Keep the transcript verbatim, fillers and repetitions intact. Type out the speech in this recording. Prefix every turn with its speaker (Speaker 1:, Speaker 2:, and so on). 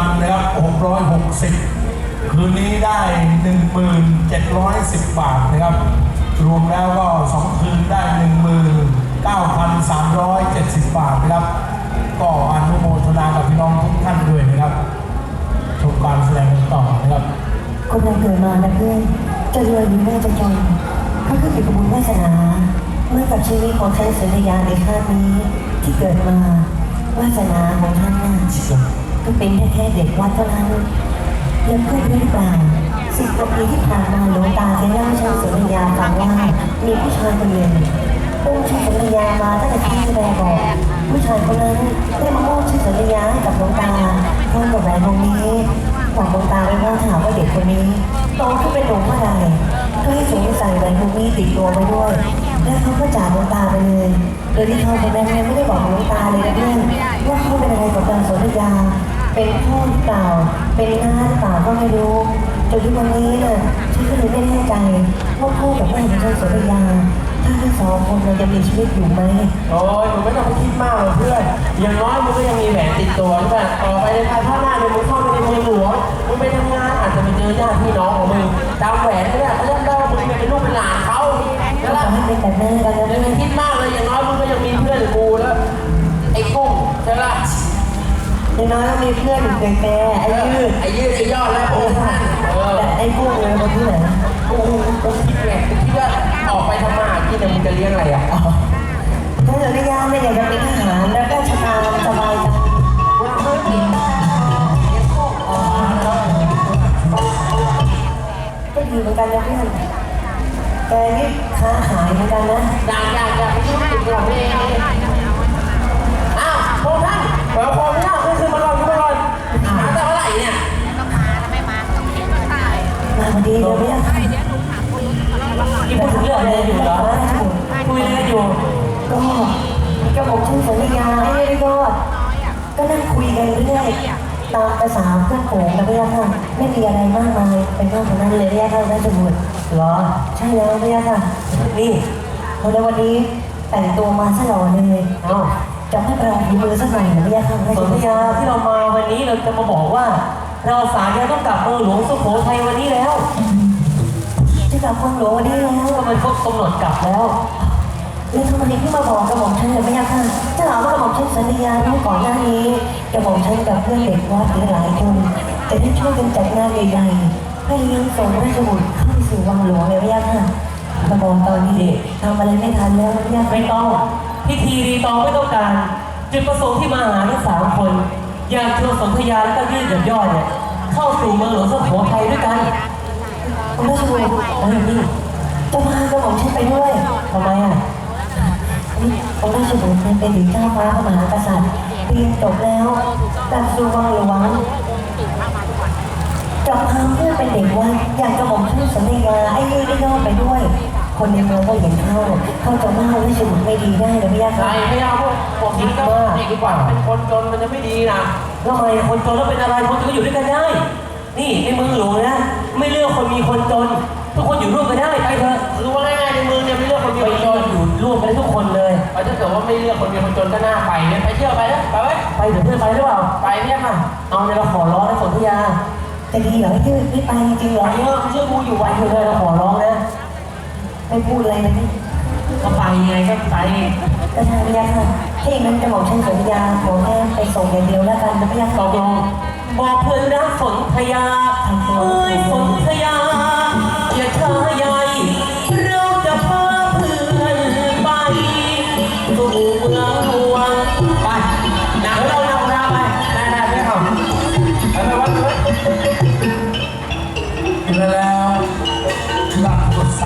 Speaker 1: วันนะครับหกร้อยหกสิบคืนนี้ได้ หนึ่งหมื่นเจ็ดร้อยสิบ บาทนะครับรวมแล้วก็สองคืนได้ หนึ่งหมื่นเก้าพันสามร้อยเจ็ดสิบ บาทนะครับก็อนุโมทนากับพี่น้องทุกท่านด้วยนะครับชมการแสดงต่อนะครับ
Speaker 2: คนเราเกิดมานะเพื่อนจะรวยหรือไม่จะจนก็ขึ้นอยู่กับบุญวาสนาเมื่อกับชีวิตของท่านสุริยาในชาตินี้ที่เกิดมาวาสนาของท่านน่ะก็เป็นแค่แค่เด็กวัดเท่านั้นยังเพื่อนหรือเปล่าสิบกว่าปีที่ผ่านมาหลวงตาได้เล่าให้ท่านสุริยาฟังว่ามีผู้ชายคนหนึ่งองค์ชายสุริยามาตั้งแต่ที่แสดงบอกผู้ชายคนนั้นได้มามอบชื่อสุริยาให้กับหลวงตาพร้อมกับแหวนวงนี้บอกหลวงตาไว้ว่าถามว่าเด็กคนนี้โตขึ้นเป็นหนุ่มเมื่อไหร่ก็ให้สวมใส่แหวนวงนี้ติดตัวไปด้วยและเขาก็จากหลวงตาไปเลยโดยที่เขาคนนั้นไม่ได้บอกหลวงตาเลยนะเพื่อนว่าเขาเป็นอะไรกับนางสุริยาเป็นพ่อหรือเปล่าเป็นน้าหรือเปล่าก็ไม่รู้จนทุกวันนี้น่ะฉันก็เลยไม่แน่ใจว่าพ่อกับแม่ของนางสุริยาถ้าทั้งสองคนเราจะมีชีวิตอยู่ไหม
Speaker 3: โอ้ยหนูไม่ต้องไปคิดมากหรอกเพื่อนอย่างน้อยมึงก็ยังมีแหวนติดตัวใช่ไหมต่อไปในภายภาคหน้าเนี่ยมึงเข้าไปในเมืองหลวงมึงไปทำงานอาจจะไปเจอญาติพี่น้องของมึงจำแหวนไม่ได้เขาจะเล่ามึงเป็นลูกเป็นหลานเขาแล้วล่ะ
Speaker 2: ให้เป็นแบบนั้นกันนะ
Speaker 3: อย่าไปคิดมากเลยอย่างน้อยมึงก็ยังมีเพื่อนกูแล้วไอ้กุ้งใช่ไหม
Speaker 2: อย่างน้อยเรามีเพื่อนอยู่แก่ไอ้ยืด
Speaker 3: ไอ้ยืดไอ้ยอดแล้วโอ้
Speaker 2: แต่ไอ้กุ้งเลยคนที่ไหน
Speaker 3: กูกูคิดแหละคิดว่าออกไปทำมาหากินเนี่ยมึงจะเลี้ยงอะไรอ่ะ
Speaker 2: ถ้าเกิดไม่ยากไม่อยากจะเป็นทหารแล้วก็ชะตาสบายจังก็ดีเหมือนกันนะเพื่อนแกนี่ค้าขายเหมือนกันนะ
Speaker 3: อยากอยากอยากไปยุ่งกับตัวเองอ้าวพวกท่านเดี๋ยวพอไม่ได้ก็คือมาลอยมาลอยมาแต่เมื่อไหร่เนี่ย
Speaker 2: มาพอดีเลยเนี่ย
Speaker 3: ที่พูดถึงเรื่องอะไรอยู่เหรอคุยอะไรอยู่
Speaker 2: ก็ก็บอกชื่อสัญญาไอ้นี่ก็ก็นั่งคุยกันเรื่อยตามภาษาเพื่อนโขงนะพี่ย่าค่ะไม่มีอะไรมากมายเป็นเรื่องของนั้นเลยพี่ย่าค่ะได้สมุด
Speaker 3: เหรอ
Speaker 2: ใช่แล้วพี่ย่าค่ะนี่พอในวันนี้แต่งตัวมาซะหล่อเลย
Speaker 3: เอ้า
Speaker 2: จะให้เราฝีมือสักหน่อยนะพี่ย่าค่ะ
Speaker 3: สัญญาที่เรามาวันนี้เราจะมาบอกว่าเราสารเนี่ยต้องกลับเมืองหลวงสุโขทัยวันนี้แล้ว
Speaker 2: จะกลับเมืองหลวงวันนี้แล้ว
Speaker 3: ก็มันครบกำหนดกลับแล้ว
Speaker 2: แล้วทำไมที่มาบอกกระหม่อมฉันเลยไม่ยากค่ะจะถามว่ากระหม่อมฉันสัญญาที่ก่อนหน้านี้กระหม่อมฉันกับเพื่อนเด็กวัดหลายคนจะได้ช่วยกันจัดงานใหญ่ๆให้เลี้ยงส่งราชบุตรเข้าไปสู่วังหลวงเลยไม่ยากค่ะกระหม่อมตอนนี้ทำอะไรไม่ทันแล้วไม่ยาก
Speaker 3: ไม่ต้องพิธีรีตองไม่ต้องการจุดประสงค์ที่มาหาทั้งสามคนอยากชวนสนธยาและก็ยืดหย่อนย่อเนี่ยเข้าสู่เมืองหลวงสุโขทัยด้วยกัน
Speaker 2: คุณราชบุตรแล้วนี่จะพากระหม่อมฉันไปด้วย
Speaker 3: ทำไมอ่ะ
Speaker 2: องค์ราชบุตรเป็นถึงเจ้าฟ้ามหากษัตริย์เรียนจบแล้วกลับสู่วังหลวงจับพาเพื่อเป็นเด็กวัดอยากจะบอกชื่อสัญญาไอ้นี่ได้ยอดไปด้วยคนในเมืองก็เห็นเข้าเข้าจะว่าราชบุตรไม่ดีได้หรือไม่ยาก
Speaker 3: ใช่ไม่เอาพวกผมคิดก็เด็กดีกว่าเป็นคนจนมันจะไม่ดีนะ
Speaker 2: ทำไม
Speaker 3: คนจนแล้วเป็นอะไรคนจนก็อยู่ด้วยกันได้นี่ในเมืองหลวงนะไม่เลือกคนมีคนจนทุกคนอยู่ร่วมกันได้ไปเถอะรู้ว่าง่ายๆในเมืองเนี่ยไม่เลือกคนมีคนจนอยู่ร่วมกันได้ทุกคนเลยถ้าเกิดว่าไม่เลือกคนมีคนจนก็น่าไปเนี่ยไปเที่ยวไปนะไปไหมไปเดี๋ยวเพื่อนไปหรือเปล่าไปเนี่ยค่ะเอาเนี่ยเราขอร้องให้สนธยา
Speaker 2: จะดีเหรอที่ไม่ไปจริงเหรอ
Speaker 3: เยอะเชื่อกูอยู่ไว้เถอะเราขอร้องนะ
Speaker 2: ไม่พูดอะไรนะพี่
Speaker 3: ก็ไปไงก็ไป
Speaker 2: ก็ทางพยาค่ะถ้าอย่างนั้นจะบอกฉันสัญญาขอแค่ไปส่งอย่างเดียวแล้วกันนะพยา
Speaker 3: ตกลงบอกเพื่อนรักสนธยาเอ้ยสนธยาอย่าช้า